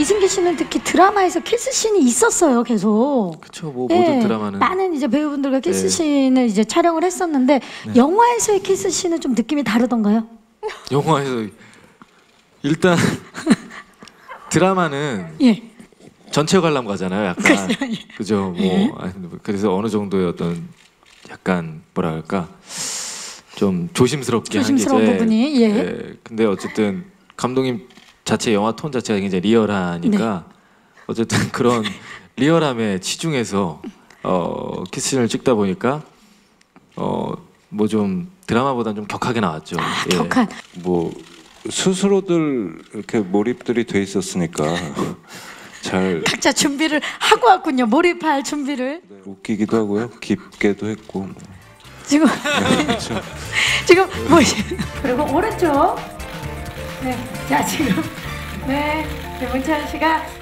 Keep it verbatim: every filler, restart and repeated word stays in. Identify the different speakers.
Speaker 1: 이승기 씨는 특히 드라마에서 키스씬이 있었어요, 계속.
Speaker 2: 그렇죠. 뭐
Speaker 1: 예,
Speaker 2: 모든 드라마는
Speaker 1: 많은 이제 배우분들과
Speaker 2: 네.
Speaker 1: 키스씬을 이제 촬영을 했었는데
Speaker 2: 네.
Speaker 1: 영화에서의 키스씬은 좀 느낌이 다르던가요?
Speaker 2: 영화에서 일단 드라마는
Speaker 1: 예.
Speaker 2: 전체 관람 가잖아요, 약간.
Speaker 1: 그죠, 예.
Speaker 2: 그죠. 뭐
Speaker 1: 예.
Speaker 2: 아니, 그래서 어느 정도의 어떤 약간 뭐라 할까 좀 조심스럽게
Speaker 1: 조심스러운
Speaker 2: 한 게
Speaker 1: 부분이, 예.
Speaker 2: 예. 근데 어쨌든 감독님 자체 영화 톤 자체가 굉장히 리얼하니까
Speaker 1: 네.
Speaker 2: 어쨌든 그런 리얼함에 치중해서 어, 키스씬을 찍다 보니까 어, 뭐 좀 드라마보다는 좀 격하게 나왔죠.
Speaker 1: 아,
Speaker 2: 예.
Speaker 1: 격한.
Speaker 3: 뭐 스스로들 이렇게 몰입들이 돼 있었으니까 잘
Speaker 1: 각자 준비를 하고 왔군요. 몰입할 준비를.
Speaker 3: 웃기기도 하고요, 깊게도 했고. 뭐.
Speaker 1: 지금
Speaker 3: 네, 그렇죠.
Speaker 1: 지금 뭐 그리고 오른쪽. 네. 자, 지금 네. 문찬 씨가